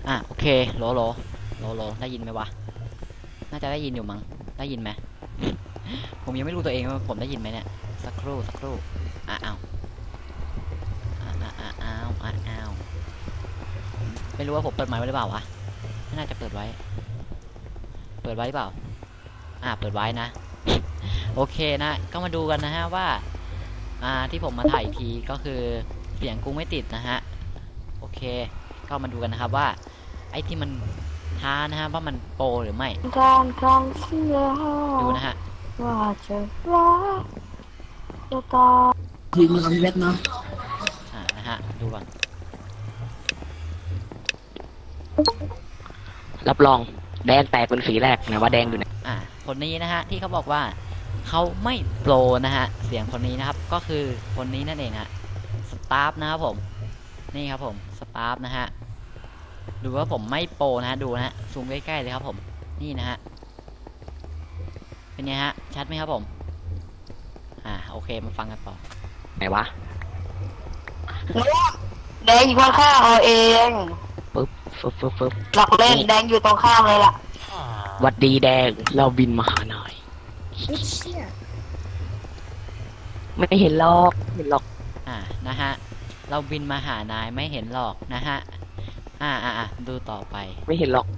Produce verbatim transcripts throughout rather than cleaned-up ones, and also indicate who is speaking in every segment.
Speaker 1: อ่ะโอเคโหลโหลโหลโหลได้ยินไหมวะน่าจะได้ยินอยู่มั้งได้ยินไหมผมยังไม่รู้ตัวเองว่าผมได้ยินไหมเนี่ยสักครู่สักครู่อ่ะอ้าวอ่ะอ่ะอ่ะอ้าวอ่ะอ้าวไม่รู้ว่าผมเปิดไมค์ไว้หรือเปล่าวะไม่น่าจะเปิดไว้เปิดไว้หรือเปล่าอ่ะเปิดไว้นะโอเคนะก็มาดูกันนะฮะว่าอ่าที่ผมมาถ่ายอีกทีก็คือเสียงกูไม่ติดนะฮะโอเคก็มาดูกันนะครับว่าไอ้ที่มันท้านะฮะว่ามันโปรหรือไม่
Speaker 2: การครั้งที่แล้ว
Speaker 1: ดูนะฮะ
Speaker 2: ว่าจะรักจะตาย
Speaker 3: ยืนอยู่กับพี่เวทเนาะ
Speaker 1: อ่านะฮะดูก่อน
Speaker 4: รับรองแดงแตกเป็นสีแรกนะว่าแดงอยู่ไหน
Speaker 1: อ่าคนนี้นะฮะที่เขาบอกว่าเขาไม่โปรนะฮะเสียงคนนี้นะครับก็คือคนนี้นั่นเองฮะสตาฟนะครับผมนี่ครับผมสตาฟนะฮะดูว่าผมไม่โปรนะฮะดูนะฮะซูมใกล้ๆเลยครับผมนี่นะฮะเป็นไงฮะชัดไหมครับผมอ่าโอเคมาฟังกันต่อ
Speaker 4: ไหนวะ
Speaker 2: แดงอยู่ข้างๆเราเอง
Speaker 4: ปึ๊บฟึบฟึบฟึบ
Speaker 2: หลักเล่นแดงอยู่ตรงข้ามเลยล่ะ
Speaker 4: หวัดดีแดงเราบินมาหาหน่อยไม่เห็นหรอกไม่เห็นหรอก
Speaker 1: อ่านะฮะเราบินมาหานายไม่เห็นหรอกนะฮะอ่าอ่าอ่าดูต่อไป
Speaker 4: ไม่เห็นหรอก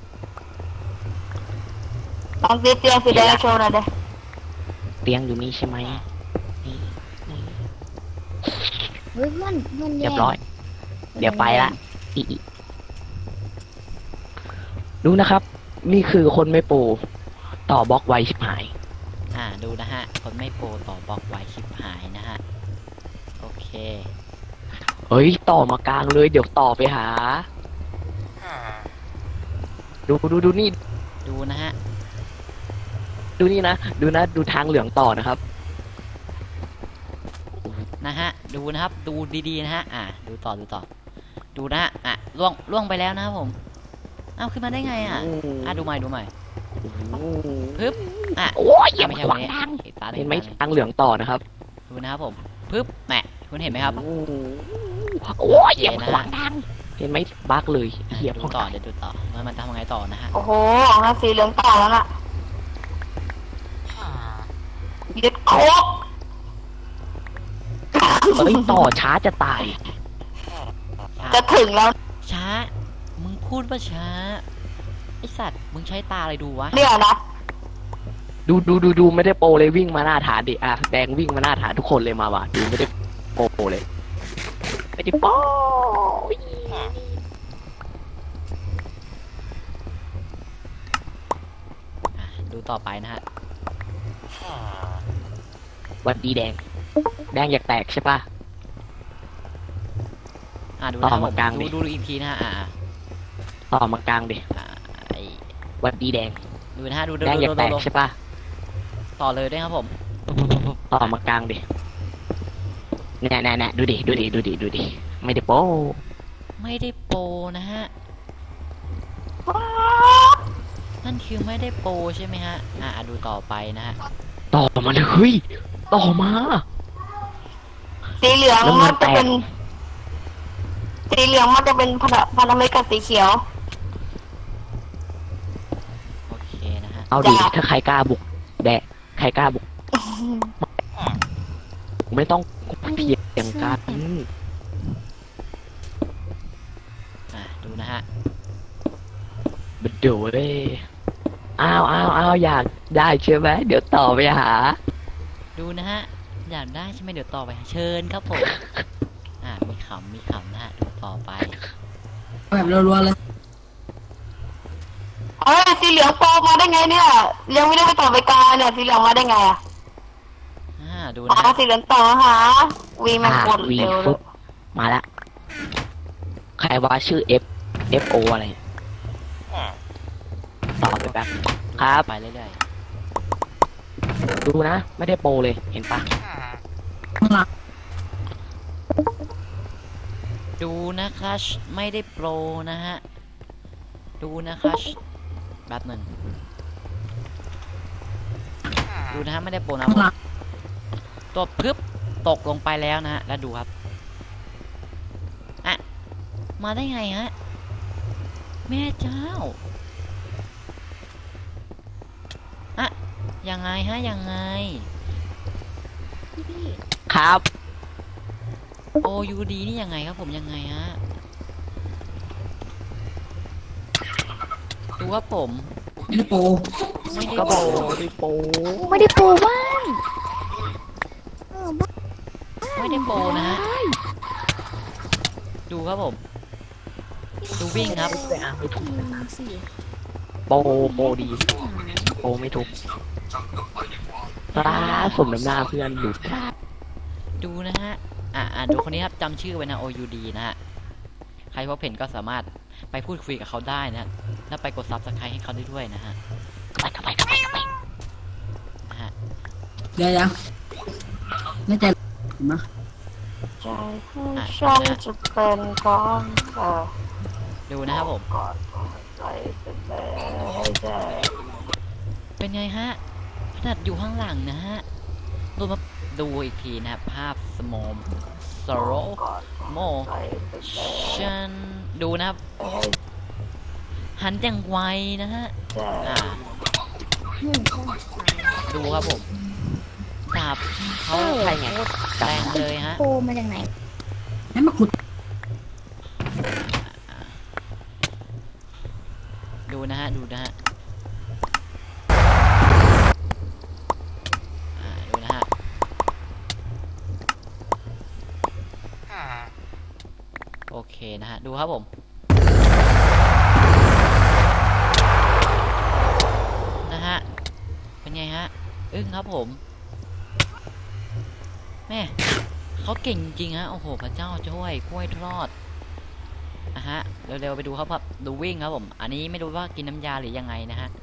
Speaker 2: ลองตีเตียงสีแดงโชว์หน่อยเด้
Speaker 4: เตียงอยู่นี่ใช่ไหมนี่นี่
Speaker 5: เฮ้ยเพื่อนเพื่อน
Speaker 4: เรียบร้อย เดี๋ยวไปละอีอีดูนะครับ นี่คือคนไม่โปรต่อบล็อกไวชิบหาย
Speaker 1: อ่าดูนะฮะคนไม่โปรต่อบล็อกไว้ชิบหายนะฮะโอเค
Speaker 4: เฮ้ยต่อมากลางเลยเดี๋ยวต่อไปหา ดูดูดูนี่
Speaker 1: ดูนะฮะ
Speaker 4: ดูนี่นะดูนะดูทางเหลืองต่อนะครับ
Speaker 1: นะฮะดูนะครับดูดีๆนะฮะอ่าดูต่อดูต่อดูนะฮะอ่ะล่วงล่วงไปแล้วนะครับผมเอ้าขึ้นมาได้ไงอ่ะอ่ะดูใหม่ดูใหม่ปึ๊บอ่ะ
Speaker 4: โอ้ยอย่า
Speaker 1: ไม่
Speaker 4: มา
Speaker 1: ใช่
Speaker 4: ข
Speaker 1: วั
Speaker 4: วาน ง
Speaker 1: นี้
Speaker 4: ทาง
Speaker 1: อีกตา
Speaker 4: เห็นไหม
Speaker 1: ง
Speaker 4: ทางเหลืองต่อนะครับ
Speaker 1: ดูนะครับผมปึ๊บแหมคุณเห็นไหมครับ
Speaker 4: โอ้ยอย่ามาขวางทางเห็นไหมบักเลย
Speaker 1: อ่ะ
Speaker 4: เหยียบ
Speaker 1: ดู
Speaker 4: เข้า
Speaker 1: ต่อ
Speaker 4: ตาย
Speaker 1: เดี๋ยวดูต่อมันมันทำยังไงต่อนะฮะ
Speaker 2: โอ้โหออกมาสีเหลืองต่อแล้วน่ะยึดโคก
Speaker 4: เอ้ยต่อช้าจะตาย
Speaker 2: จะถึงแล้ว
Speaker 1: ช้ามึงพูดว่าช้าไอสัตว์มึงใช้ตาอะไรดูวะ
Speaker 2: เนี่ยนะ
Speaker 4: ดูดูดูดูไม่ได้โปรเลยวิ่งมาหน้าฐานดิอ่ะแดงวิ่งมาหน้าฐานทุกคนเลยมาว่ะดูไม่ได้โปรเลยไม่ได้โปร
Speaker 1: อ่ะดูต่อไปนะฮะ
Speaker 4: หวันดีแดง แดงอยากแตกใช่ปะ
Speaker 1: อ่ะดู
Speaker 4: ต่
Speaker 1: นะ
Speaker 4: อ
Speaker 1: ครับผม
Speaker 4: มากลางดิ
Speaker 1: ดูดูดูอีกทีนะฮะอ่า
Speaker 4: ต่อมากลางดิ
Speaker 1: อ่าไอ
Speaker 4: หวันดีแดง
Speaker 1: ดูนะฮะดูดู
Speaker 4: แดง
Speaker 1: ดู
Speaker 4: อยาก
Speaker 1: ดู
Speaker 4: แตก
Speaker 1: ดู
Speaker 4: ใช่ปะ
Speaker 1: ต่อเลยด้วยครับผม
Speaker 4: ต่อมากลางดิแน่แน่แน่ดูดิดูดิดูดิดูดิไม่ได้โปร
Speaker 1: ไม่ได้โปรนะฮะนั่นคือไม่ได้โปรใช่ไหมฮะอ่าดูต่อไปนะฮะ
Speaker 4: ต่อมาเลยเฮ้ยต่อมา
Speaker 2: สีเหลือง
Speaker 4: แล้วมั
Speaker 2: มัน
Speaker 4: นแต
Speaker 2: จะ
Speaker 4: ก
Speaker 2: เป็น สีเหลืองมันจะเป็นพันธพันธมิตรกับสีเขียว
Speaker 1: โอเคนะฮะ
Speaker 4: เอาดิ
Speaker 2: จ้ะ
Speaker 4: ถ้าใครกล้าบุกแดะใครกล้าบุกไม่ต้องเพียงกัน
Speaker 1: อ่าดูนะฮะ
Speaker 4: บัดเดี๋ยวเว้ยอ้าวอ้าวอ้าวอยากได้ใช่ไหมเดี๋ยวต่อไปหา
Speaker 1: ดูนะฮะอยากได้ใช่ไหมเดี๋ยวต่อไปเชิญครับผมอ่ามีขำมีขำนะฮะดูต่อไป
Speaker 3: แบบรัวๆเลย
Speaker 2: เอ้ยสีเหลืองโปรมาได้ไงเนี่ย ยังไม่ได้ไปต่อไปกาเนี่ยสีเหลืองมาได้ไงอ่ะ
Speaker 1: อ่าดู
Speaker 2: อ๋
Speaker 1: นะ
Speaker 2: อ
Speaker 1: ฮะ
Speaker 2: สีเหลืองต่อหาวีมัน
Speaker 4: อ่าก
Speaker 2: ด
Speaker 4: วี
Speaker 2: เร็วเล
Speaker 4: ฟึ
Speaker 2: ย
Speaker 4: บมาละใครว่าชื่อ F F O อะไรต่อไปแป๊บครับ
Speaker 1: ไปเรื่อย
Speaker 4: ดูนะ ไม่ได้โปรเลยเห็นปะ
Speaker 3: ข้างหลัง
Speaker 1: ๆดูนะครับไม่ได้โปรนะฮะดูนะครับแป๊บหนึ่งดูนะฮะไม่ได้โปรนะ
Speaker 3: ข้างหลัง
Speaker 1: ตัวพึบตกลงไปแล้วนะฮะแล้วดูครับอ่ะมาได้ไงฮะแม่เจ้าอะยังไงฮะยังไง
Speaker 5: พี่พี่
Speaker 4: ครับ
Speaker 1: โอยูดีนี่ยังไงครับผมยังไงฮะดูครับผม
Speaker 3: ไม่ได้โปร
Speaker 1: ไม่ได้
Speaker 4: ก็
Speaker 1: โป
Speaker 4: โป
Speaker 1: ร
Speaker 4: ดิโป
Speaker 5: ไม่ได้ปูบ้านเออบ้าน
Speaker 1: ไม่ได้โปรนะฮะดูครับผม ดูวิ่งครับ
Speaker 4: ไม่อ่ะไม่ถูก
Speaker 5: อืมสิ
Speaker 4: โปโปดีโปไม่ถูกตาสมน้ำหน้าเพื่อนหลุด
Speaker 1: ดูนะฮะ อ่าอ่าดูคนนี้ครับจำชื่อไว้นะ โอ ยู ดี นะฮะ ใครพบเห็นก็สามารถไปพูดคุยกับเขาได้นะฮะแล้วไปกดซับสไครต์ให้เขาได้ด้วยนะฮะ
Speaker 4: ไปเข้าไปเข้าไปเข้าไป
Speaker 1: นะฮะ
Speaker 3: เดี๋ยวยังไม่ใจเห็นไหม
Speaker 2: ใจให้ฉันจะเป็นของเธอ
Speaker 1: ดูนะครับผม
Speaker 2: กอดใจเป็นแม่ให้ใจ
Speaker 1: เป็นไงฮะขนาดอยู่ข้างหลังนะฮะดูมาดูอีกทีนะครับ ภาพสมอมสโรโม
Speaker 2: ใจเป็นแม่
Speaker 1: ชันดูนะครับ หันอย่างไวนะฮะ
Speaker 2: ใจ
Speaker 1: อ่า
Speaker 5: อืม
Speaker 1: ดูครับผมดาบเขา
Speaker 4: ใช่ไง
Speaker 1: แรงเลยฮะ
Speaker 5: ปูมาจากไหน
Speaker 3: ให้มาขุด
Speaker 1: ดูนะฮะ ดูนะฮะ อ่า ดูนะฮะ โอเคนะฮะ ดูครับผม นะฮะ เป็นไงฮะ อึ้งครับผม แม่เขาเก่งจริงฮะ โอ้โห พระเจ้าช่วยกล้วยทอดนะฮะ เร็วๆไปดูครับครับ ดูวิ่งครับผม อันนี้ไม่รู้ว่ากินน้ำยาหรือยังไงนะฮะ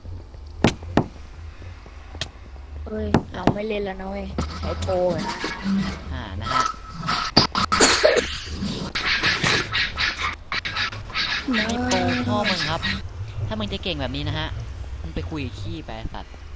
Speaker 5: เอ้ย เราไม่เล่นแล้วนะเว้ยใช้โปรอะ
Speaker 1: อ่า นะฮะ
Speaker 5: เน
Speaker 1: ไม่โปรพ่อ
Speaker 5: อะ
Speaker 1: มึงครับ ถ้ามึงจะเก่งแบบนี้นะฮะ มึงไปคุยกับขี้ไปไอ้สัตว์